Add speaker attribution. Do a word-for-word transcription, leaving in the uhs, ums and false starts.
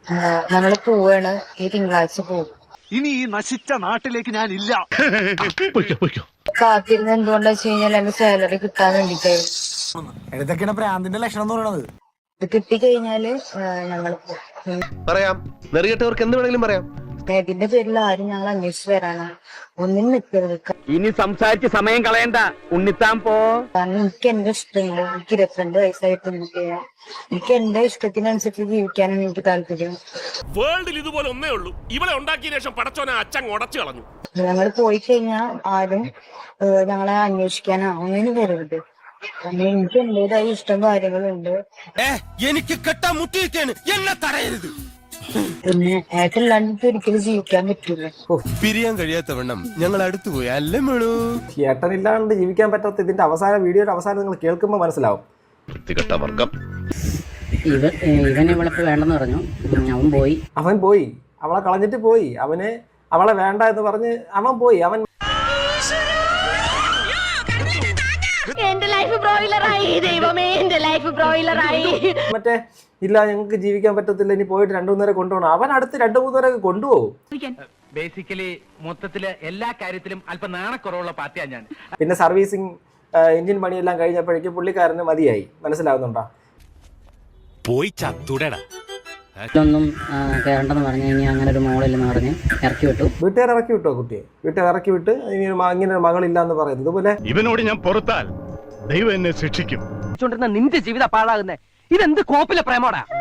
Speaker 1: ഞങ്ങള് പോവാണ്, ഈ തിങ്കളാഴ്ച പോകും.
Speaker 2: ഇനി ഈ നശിച്ച നാട്ടിലേക്ക് ഞാൻ ഇല്ല.
Speaker 1: കാത്തിരുന്ന് എന്തുകൊണ്ടാ വെച്ച് കഴിഞ്ഞാൽ എന്റെ സാലറി കിട്ടാൻ വേണ്ടിട്ടായിരുന്നു.
Speaker 3: ഇതൊക്കെയാണ് പ്രാന്തിന്റെ ലക്ഷണം എന്ന് പറയുന്നത്.
Speaker 1: ഇത് കിട്ടിക്കഴിഞ്ഞാല് ഞങ്ങള് പോകും.
Speaker 4: പറയാം, നെറികെട്ടവർക്ക് എന്ത് വേണമെങ്കിലും പറയാം.
Speaker 1: ഇതിന്റെ പേരിൽ ആരും ഞങ്ങൾ അന്വേഷിച്ച് വരാനാണ്. ഒന്നിനും നിൽക്കരുത്.
Speaker 5: ഇനി സംസാരിച്ച് സമയം കളയണ്ട, ഉണ്ണിത്താൻ പോ.
Speaker 1: കാരണം എനിക്ക് എന്റെ ഇഷ്ടങ്ങൾ, എനിക്ക് ഇരുപത്തിരണ്ട് വയസ്സായിട്ട് എനിക്ക് എന്റെ ഇഷ്ടത്തിനനുസരിച്ച് ജീവിക്കാനാണ് എനിക്ക് താല്പര്യം.
Speaker 6: വേൾഡിൽ ഇതുപോലെ ഒന്നേ ഉള്ളൂ, ഇവളെ ഉണ്ടാക്കിയ ശേഷം പടച്ചോനെ അച്ഛൻ ഉടച്ചു കളഞ്ഞു.
Speaker 1: ഞങ്ങൾ പോയി കഴിഞ്ഞാൽ ആരും ഞങ്ങളെ അന്വേഷിക്കാനോ ഒന്നിനും വരരുത്. കാരണം എനിക്ക് എന്റേതായ ഇഷ്ടം കാര്യങ്ങളുണ്ട്.
Speaker 3: എനിക്ക് കെട്ടാൻ മുട്ടിയിരിക്കാണ്, എന്നെ തടയരുത്.
Speaker 1: പിന്നെ ഏട്ടല്ലാണ്ട് ഒരിക്കലും ജീവിക്കാൻ പറ്റൂല.
Speaker 3: പിരിയാൻ കഴിയാത്തവണ്ണം ഞങ്ങൾ അടുത്തു പോയി അല്ലേ മേളൂ.
Speaker 7: ഏട്ടനില്ലാണ്ട് ജീവിക്കാൻ പറ്റാത്ത ഇതിന്റെ അവസാന വീഡിയോയുടെ അവസാനം നിങ്ങൾ കേൾക്കുമ്പോൾ മനസ്സിലാവും.
Speaker 4: വർഗം
Speaker 8: ഇവൻ ഇവൻ ഇവളെ വേണ്ടെന്ന് പറഞ്ഞു, അവൻ പോയി.
Speaker 7: അവൻ പോയി, അവളെ കളഞ്ഞിട്ട് പോയി. അവന് അവളെ വേണ്ട എന്ന് പറഞ്ഞ് അവൻ പോയി. അവൻ
Speaker 9: എന്റെ ലൈഫ് ബ്രോയിലറായി, ദൈവമേ എന്റെ ലൈഫ് ബ്രോയിലറായി.
Speaker 7: മറ്റേ ഇല്ല ഞങ്ങൾക്ക് ജീവിക്കാൻ പറ്റത്തില്ല, ഇനി പോയിട്ട് രണ്ടു മൂന്നേരെ കൊണ്ടുപോകണം. അവൻ അടുത്ത് രണ്ടു മൂന്നേരെ കൊണ്ടുപോകും.
Speaker 5: ബേസിക്കലി മൊത്തത്തില് എല്ലാ കാര്യത്തിലും അല്പം നാണക്കുറവുള്ള പാർട്ടിയാണ് ഞാൻ.
Speaker 7: പിന്നെ സർവീസിങ് എഞ്ചിൻ പണിയെല്ലാം കഴിഞ്ഞപ്പോഴേക്കും പുള്ളിക്കാരന് മതിയായി. മനസ്സിലാവുന്നുണ്ടോ?
Speaker 6: പോയി ചത്തുടടാ.
Speaker 8: ഇതൊന്നും കയറണ്ടെന്ന് പറഞ്ഞു കഴിഞ്ഞാൽ അങ്ങനെ ഒരു മോളില്ലെന്ന് പറഞ്ഞ് ഇറക്കി വിട്ടു.
Speaker 7: വീട്ടുകാർ ഇറക്കി വിട്ടോ കുട്ടിയെ? വീട്ടുകാർ ഇറക്കി വിട്ട് ഇനി ഇങ്ങനെ ഒരു മകളില്ല എന്ന് പറയുന്നത്. ഇതുപോലെ
Speaker 2: ഇവനോട് ഞാൻ പുറത്താൽ ദൈവം എന്നെ ശിക്ഷിക്കും.
Speaker 5: നിന്റെ ജീവിതം പാഴാകുന്നേ, ഇതെന്ത് കോപ്പിലെ പ്രേമോടാ.